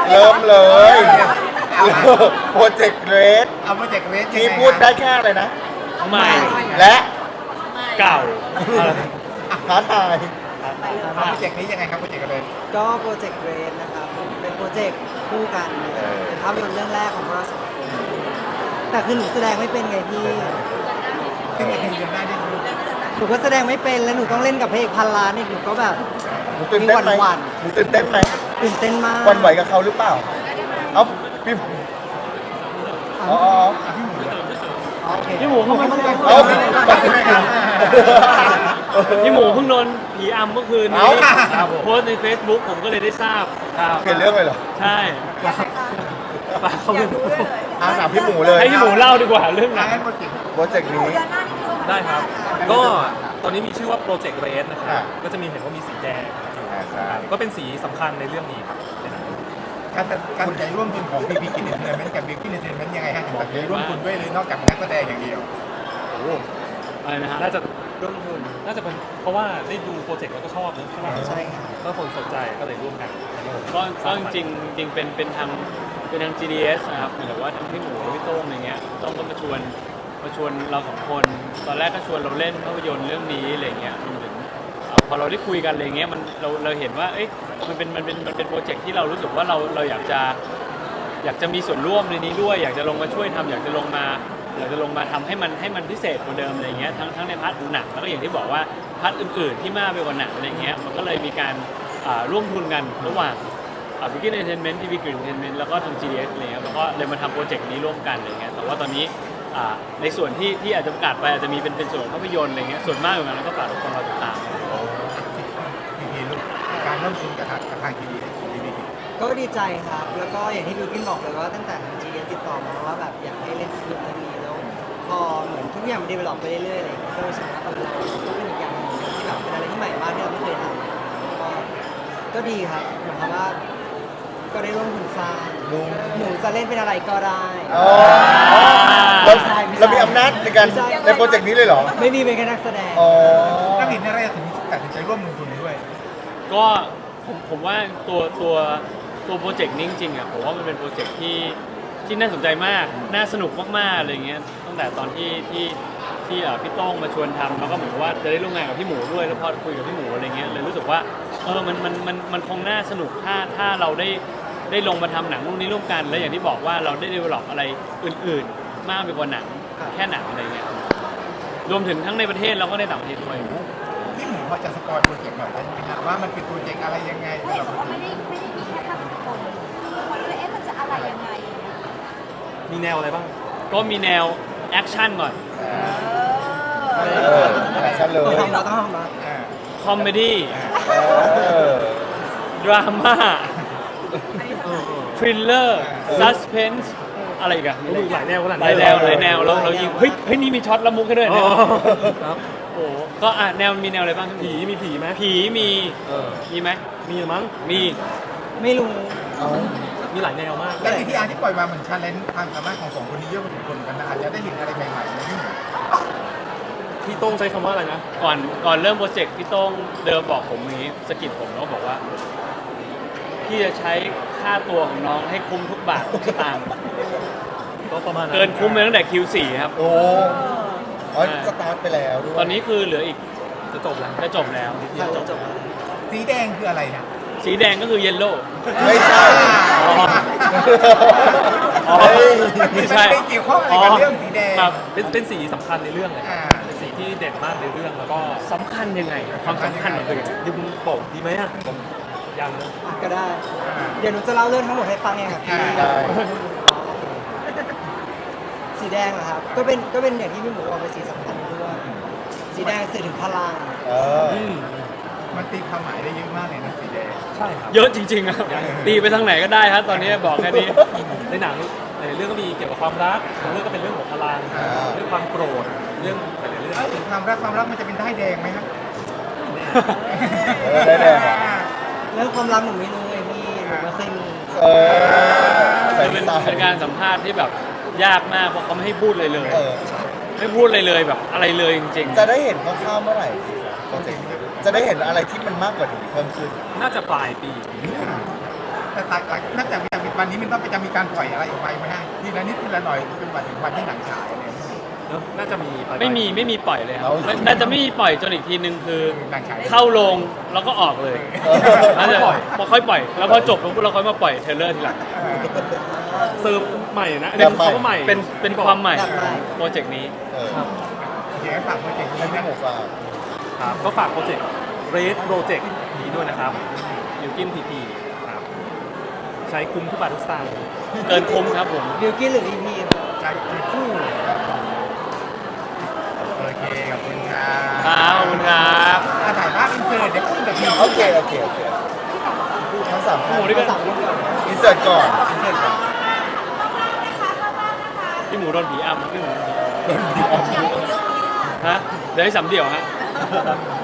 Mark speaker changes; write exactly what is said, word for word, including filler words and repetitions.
Speaker 1: เริ่มเลยโปรเจกต์เรส
Speaker 2: เอาโปรเจกต์เรส
Speaker 1: ที่พูดได้แค่อะไรนะ
Speaker 3: ใหม่
Speaker 1: และ
Speaker 3: เก่า
Speaker 1: ท้าทาย
Speaker 2: เอาโปรเจกต์นี้ยังไงครับโปรเจกต์เรส
Speaker 4: ก็โปรเจกต์เรนนะครับเป็นโปรเจกต์คู่กันเป็นภาพยนตร์เรื่องแรกของเราสองคนแต่คือหนูแสดงไม่เป็นไงพี่
Speaker 2: ขึ้นมาทีเดียวได้ได้รู้
Speaker 4: หนูก็แสดงไม่เป็นแล้วหนูต้องเล่นกับพระเอกพันล้านอีกหนูก็แบบ
Speaker 1: หนูตื่นเต้นไหม
Speaker 4: หวั่น
Speaker 1: หนูตื่นเต้นไหม
Speaker 4: ๆตื่นเต้นมาก
Speaker 1: หวันไหวกับเขาหรือเปล่าเอ้าพี่อ๋อ
Speaker 4: โอเค
Speaker 3: พี่หมูเพิ่งมา
Speaker 1: เอ้า
Speaker 3: พี่หมูเพิ่งโดนผีอำเมื่อคืน
Speaker 1: เอ้า
Speaker 3: นี้โพสต์ใน Facebook ผมก็เลยได้ทราบครับ
Speaker 1: เปลี่ยนเรื่องเลยเหรอ
Speaker 3: ใช่ปาเขาเป็น
Speaker 1: อ่าถามพี่หมูเลย
Speaker 3: ให้พี่หมูเล่าดีกว่าเรื่องหนัง
Speaker 2: งั้นโปรเจกต์
Speaker 1: โปรเจกต์นี้
Speaker 5: ได้ครับ ก็ตอนนี้มีชื่อว่าโปรเจกต์เรสนะค
Speaker 1: ครั
Speaker 5: รับ บ ก็จะมีเห็นว่ามีสีแดง
Speaker 1: อ่าใช่
Speaker 5: ก็เป็นสีสำคัญในเรื่องนี้ครับ
Speaker 2: การตัดการตัดใจร่วมทุนของพีพีกินเนอร์เทนเมนต์กับบิ๊กกินเนอร์เทนเมนต์ยังไงฮะถึงตัดใจร่วมทุนด้วยเลยนอกจากนักแสดงอย่างเดียว
Speaker 3: อะไรนะฮะ
Speaker 5: น่าจะ
Speaker 4: ร่วมทุน
Speaker 5: น่าจะเป็นเพราะว่าได้ดูโปรเจกต์แล้วก็ชอบนะใช่ไหม
Speaker 4: ใช่ค่ะ
Speaker 5: ก็คนสนใจก็เลยร่วมกันอันนี้ผม
Speaker 3: ก็ก็จริงๆจริงเป็นเป็นทางเป็นทาง จี ดี เอส นะครับหรือว่าทางพี่หมูพี่โต้งอะไรเงี้ยต้องก็มาชวนมาชวนเราสองคน ตอนแรกก็ชวนเราเล่นภาพยนตร์เรื่องนี้อะไรเงี้ยรวมถึงเอ่อพอเราได้คุยกันอะไรเงี้ยมันเราเราเห็นว่าเอ๊ะมันเป็นมันเป็นมันเป็นโปรเจกต์ที่เรารู้สึกว่าเราเราอยากจะอยากจะมีส่วนร่วมในนี้ด้วย อยากจะลงมาช่วยทำอยากจะลงมาอยากจะลงมาทำให้มันให้มันพิเศษกว่าเดิมอะไรเงี้ยทั้งทั้งในพาร์ทหนังแล้วก็อย่างที่บอกว่าพาร์ทอื่นๆที่มากไปกว่าหนังอะไรเงี้ยมันก็เลยมีการอ่าร่วมทุนกันระหว่าง บิกกิ้นเอนเตอร์เทนเมนต์ ที วี กรีนเอนเตอร์เทนเมนต์แล้วก็ทาง จี ดี เอส อะไรเงี้ยแล้วก็เลยมาทำโปรเจกต์นี้ร่วมกันอะไรเงี้ยแต่ว่าตอนนี้อ่าในส่วนที่ที่อาจจะประกาศไปอาจจะมีเป็นเป็นส่วนภาพยนตร์อะไรเงี้ยส่วนมากอยู่นั้นก็ฝากทุกคนรอติดตาม
Speaker 2: พีพีลูกการร่วมทุนกับทางกับทางทีวีของพีพีกิน
Speaker 4: ก็ดีใจครับ แล้วก็อย่างที่บิวกินบอกเลยว่าตั้งแต่ทาง จี เอส ติดต่อมาว่าแบบอยากให้เล่นฟิล์มเรื่องนี้แล้วพอเหมือนทุกอย่างมันดีเวลลอปไปเรื่อยๆอะไรอย่างเลยก็รู้สึกว่าเออเราก็เป็นอีกอย่างหนึ่งที่แบบเป็นอะไรที่ใหม่มากที่เราไม่เคยทำก็ก็ดีครับหมายความว่าก็ได้ร่วมทุนสร้าง
Speaker 1: ลุง
Speaker 4: หนูจะเล่นเป็นอะไรก็ได้
Speaker 1: อ๋อเราเรามีอำนาจในการในโปรเจกต์นี้เลยเหรอ
Speaker 4: ไม่มีเป็นแค่นักแสดง
Speaker 1: อ๋อ
Speaker 2: นักเห็นอะไรถึงตัดสินใจร่วมลงทุนด้วย
Speaker 3: ก็ผมผมว่าตัวตัวตัวโปรเจกต์นี้จริงๆอ่ะผมว่ามันเป็นโปรเจกต์ที่ที่น่าสนใจมากน่าสนุกมากๆอะไรเงี้ยตั้งแต่ตอนที่ที่ที่อ่ะพี่โต้งมาชวนทำแล้วก็เหมือนว่าจะได้ร่วมงานกับพี่หมูด้วยแล้วพอคุยกับพี่หมูอะไรเงี้ยเลยรู้สึกว่าเออมันมันมันมันคงน่าสนุกถ้าถ้าเราได้ได้ลงมาทำหนังรุ่นนี้ร่วมกัน แล้วอย่างที่บอกว่าเราได้ develop อะไรอื่นๆ มากไปกว่าหนังแค่หนังอะไรเงี้ยรวมถึงทั้งในประเทศแล้วก็ในต่างประเทศด้วย
Speaker 2: พี่หมูพอจะสปอยโปรเจกต์หน่อยได้ไหมครับว่ามันเป็นโปรเจกต์อะไรยังไงสำหรับโปรเจก
Speaker 6: ไม่
Speaker 2: ต์
Speaker 6: ได้ไม่ได้มีแค่ทำคนคนเลยเอ๊ะมันจะอะไรยังไงอย่างเงี้ย
Speaker 5: มีแนวอะไรบ้าง
Speaker 3: ก็มีแนวแอคชั่นก่อน
Speaker 1: เอออะไรซะเล
Speaker 4: ต้อง
Speaker 1: ย
Speaker 4: ทำเราต้องทำเรา
Speaker 2: อ่า
Speaker 3: คอมเมดี้
Speaker 1: เออ
Speaker 3: ดราม่าทริลเลอร์ซัสเพนส์อะไรอีกัน
Speaker 5: โอ้ยหลายแนวขนาด
Speaker 3: ห
Speaker 5: นี้
Speaker 3: ลายแนวหลายแนวแล้วเรายิงเฮ้ยเฮ้ยนี่มีช็อตละมุกให้ด้วย
Speaker 5: อ๋
Speaker 3: เนี่ย
Speaker 5: อครับ
Speaker 3: โอ้โหก็อ่ะแนวมีแนวอะไรบ้าง
Speaker 5: ผีมีผีไหม
Speaker 3: ผีมี
Speaker 5: เออ
Speaker 3: มีไหม
Speaker 5: มีมั้ง
Speaker 3: มี
Speaker 4: ไม่รู้
Speaker 1: เอา
Speaker 5: มีหลายแนวมาก
Speaker 2: และทีที่อาร์ที่ปล่อยมาเหมือนชาเลนจ์ความสามารถของสองคนนี้เยอะพอสมควรเหมือนกันนะอาจจะได้เห็นอะไรใหม่ๆในพี่หมู
Speaker 5: พี่โต้งใช้คำว่าอะไรนะ
Speaker 3: ก่อนก่อนเริ่มโปรเจกต์พี่โต้งเดิมบอกผมอย่างนี้สะกิดผมแล้วบอกว่าพี่จะใช้ค่าตัวของน้องให้คุ้มทุกบาททุกสตางค์
Speaker 5: ก็ประมาณนั้น
Speaker 3: เกินคุ้มไปตั้งแต่ คิว โฟร์ ครับ
Speaker 1: โอ้อ๋อสตาร์ทไปแล้วด้วย
Speaker 3: ตอนนี้คือเหลืออีก
Speaker 5: จะจบแล้ว
Speaker 3: จะจบแล้ว
Speaker 4: จบจบ
Speaker 2: สีแดงคืออะไรนะ
Speaker 3: สีแดงก็คือเยลโล่
Speaker 1: ไม่ใช่
Speaker 3: อ๋อ อ๋อ
Speaker 1: เฮ้ย
Speaker 3: ไม่ใช่
Speaker 2: มันไม่เกี่ยวข้องอะไรกับเรื่องสีแดง
Speaker 3: ครับ
Speaker 5: เป็นเป็นสีสำคัญในเรื่องเลย
Speaker 2: อ่า
Speaker 5: เป็นสีที่เด่นมากในเรื่องแล้วก็
Speaker 3: สำคัญยังไง ความสำคัญมันคือยังไง
Speaker 5: ดึงโป่งดีไหมอ่ะผมยังนะ
Speaker 4: อ่ะก็ได้ เดี๋ยวหนูจะเล่าเรื่องทั้งหมดให้ฟังเองครับพี่
Speaker 1: ได้
Speaker 4: สีแดงเหรอครับ ก็เป็นก็เป็นอย่างที่พี่หมูบอกเป็นสีสำคัญด้วยสีแดงสื่อถึงพลัง
Speaker 1: เออ
Speaker 5: อืม
Speaker 2: มันตีความหมายได้เยอะมากเลยนะสีแดง
Speaker 5: ใช่ครับ
Speaker 3: เยอะจริงๆครับตีไปทางไหนก็ได้ครับตอนนี้บอกแค่นี้
Speaker 5: ในหนังในเรื่องก็มีเกี่ยวกับความรักบางเรื่องก็เป็นเรื่องของพลัง
Speaker 1: อ่า
Speaker 5: เรื่องความโกรธเรื่องหลายๆเรื่อง
Speaker 2: ถ้าถึงความรักความรักมันจะเป็นได้ายแดงไหมครับ
Speaker 1: เออได้แดงอ่ะ
Speaker 4: เรื่องความรักหนูไม่รู้ไงพี่หนูไม่เคยมี
Speaker 1: เออใส่
Speaker 3: จะเป็น
Speaker 1: ใส่
Speaker 3: เป็นการสัมภาษณ์ที่แบบยากมากเพราะเขาไม่ให้พูดเลยเลย
Speaker 1: เออ
Speaker 3: ไม่พูดเลยเลยแบบอะไรเลยจริง
Speaker 1: จะได้เห็นคร่าวๆเมื่อไหร่โปรเจกต์นี้จะได้เห็นอะไรที่มันมากกว่านี้เพิ่มขึ้น
Speaker 5: น่าจะปลายปี
Speaker 2: แต่ตัดนับจากวินาทีวันนี้มันต้องไปจะมีการปล่อยอะไรออกไปไหมฮะทีละนิดทีละหน่อยเป็นวันถึงวันที่หนังฉายอะไรอย่างเงี้ย
Speaker 5: เนอะน่าจะมีป
Speaker 3: ไม่มีไม่มีปล่อยเลยครับไม่น่าจะไม่มีปล่อยจนอีกทีนึงคือ
Speaker 2: หนังฉาย
Speaker 3: เข้าโรงแล้วก็ออกเลยน่าจะพอค่อยปล่อย แล้วพอจบแล้วเราค่อยมาปล่อยเทรลเลอร์ทีหลัง
Speaker 2: เออ
Speaker 5: เซิร์ฟใหม่นะ
Speaker 1: แบบใหม่
Speaker 5: เขาก็ใหม่
Speaker 3: เป็นเป็นความใหม่
Speaker 4: แบบใหม่
Speaker 3: โปรเจกต์นี้
Speaker 1: เออ
Speaker 2: เขียนฝากโปรเจกต์
Speaker 1: ให้
Speaker 2: นี้
Speaker 1: พี่
Speaker 2: นะ
Speaker 1: หมูฝาก
Speaker 5: ครับก็ฝากโปรเจกต์ Red Project นี้ด้วยนะครับยูกินพีพีครับใช้คุ้มทุกบาททุกสตางค์
Speaker 3: เกินคุ้มครับผม
Speaker 4: บิวกิ้นหรือพีพีครับ
Speaker 2: ใจคู่โอเคขอบคุณครับ
Speaker 3: ครับขอบคุณครับ
Speaker 2: อ่ะถ่ายภาพอินเสิร์ตเดี๋ยวพุ่งกับพี่
Speaker 1: โอเคโอเคโอเคทั้งสามท่าน
Speaker 3: หมูด้วยกัน
Speaker 4: สามคนก่อน
Speaker 1: อินเสิร์ตก่อนอินเสิร์ตก่อน
Speaker 3: พี่หมูโดนผีอำพี่หมูโดนผี
Speaker 1: โดนผีอำ
Speaker 3: ฮะเดี๋ยวให้สำเดี่ยวฮะ